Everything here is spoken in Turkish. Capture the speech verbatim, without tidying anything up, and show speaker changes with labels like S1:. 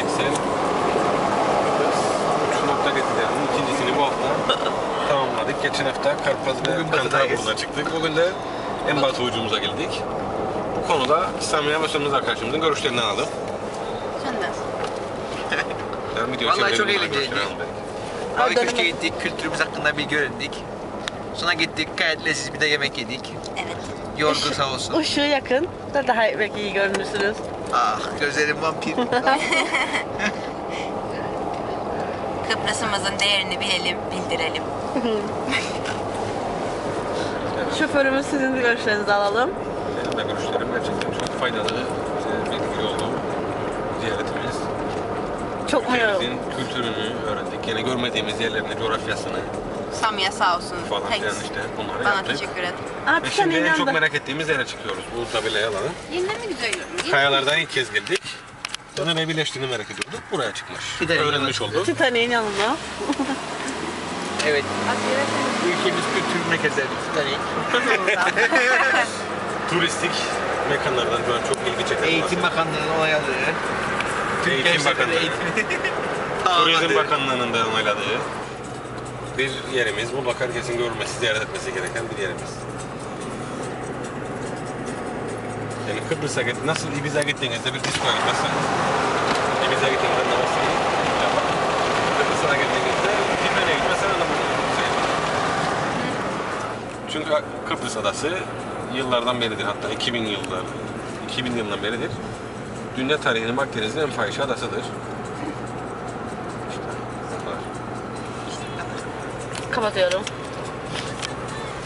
S1: geleneksel şu nokta getirdiğinin ikincisini bu hafta tamamladık. Geçen hafta Karpaz ve Kantarburnu'na çıktık. Bugün de en batı ucumuza geldik. Bu konuda İslamiye başladığımız arkadaşımızın görüşlerini alalım.
S2: Sen de.
S1: Yani video
S3: Vallahi çok
S1: çevirelim,
S3: eğlenceliydi.
S1: görüşlerini alalım.
S3: Mavi Köşk'e gittik, kültürümüz hakkında bilgi öğrendik. Sonra gittik, gayet lezzetli bir de yemek yedik.
S2: Evet.
S3: Yorgun sağ olsun.
S4: Işığı yakın da daha belki iyi görünürsünüz.
S3: Ah, gözlerim vampir.
S2: Kıbrıs'ımızın değerini bilelim, bildirelim.
S4: Şoförümüz sizin de görüşlerinizi alalım.
S1: Benim de görüşlerim gerçekten çok faydalı, e, bilgi oldu. Ziyaretimiz.
S4: Çok mu yoruldu?
S1: Ülkemizin kültürünü öğrendik. Yine görmediğimiz yerlerini, coğrafyasını
S2: Samya sağ olsun.
S1: falan
S2: Thanks.
S1: filan işte bunları
S2: Bana
S1: yaptık.
S2: teşekkür et.
S4: Aa,
S1: Ve
S4: bir
S1: şimdi
S4: tane
S1: en çok
S4: inandı.
S1: merak ettiğimiz yere çıkıyoruz. Bu tabela alanı.
S2: Yine mi güzel görünüyor?
S1: Kayalardan ilk kez girdik. Sonra ne birleştiğini merak ediyorduk. Buraya çıkmış.
S3: Bir de
S1: Öğrenmiş olduk.
S4: Titanic'in yanında.
S3: Evet, ülkemiz kültür merkezleri.
S1: Turistik mekanlardan şu an çok ilgi çeken.
S3: Eğitim Bakanlığı'nın onayladığı. Türk
S1: Eğitim
S3: Gençlerin
S1: Bakanlığı.
S3: eğitimini
S1: Turizm
S3: tamamladığı.
S1: Bakanlığı'nın da onayladığı bir yerimiz. Mutlaka herkesin görmesi, ziyaret etmesi gereken bir yerimiz. Yani Kıbrıs'a git, nasıl Ibiza'ya gittiğinizde bir diskoya gitmezseniz, Ibiza'ya gittiğinizde namazı yapar. Kıbrıs'a gittiğinizde Tilmen'e gitmezseniz namazı Çünkü Kıbrıs Adası yıllardan beridir, hatta iki bin yıllar, iki bin yıldan beridir dünya tarihinin Akdeniz'in en fahişe adasıdır. İşte, bunlar.
S4: Kapatıyorum.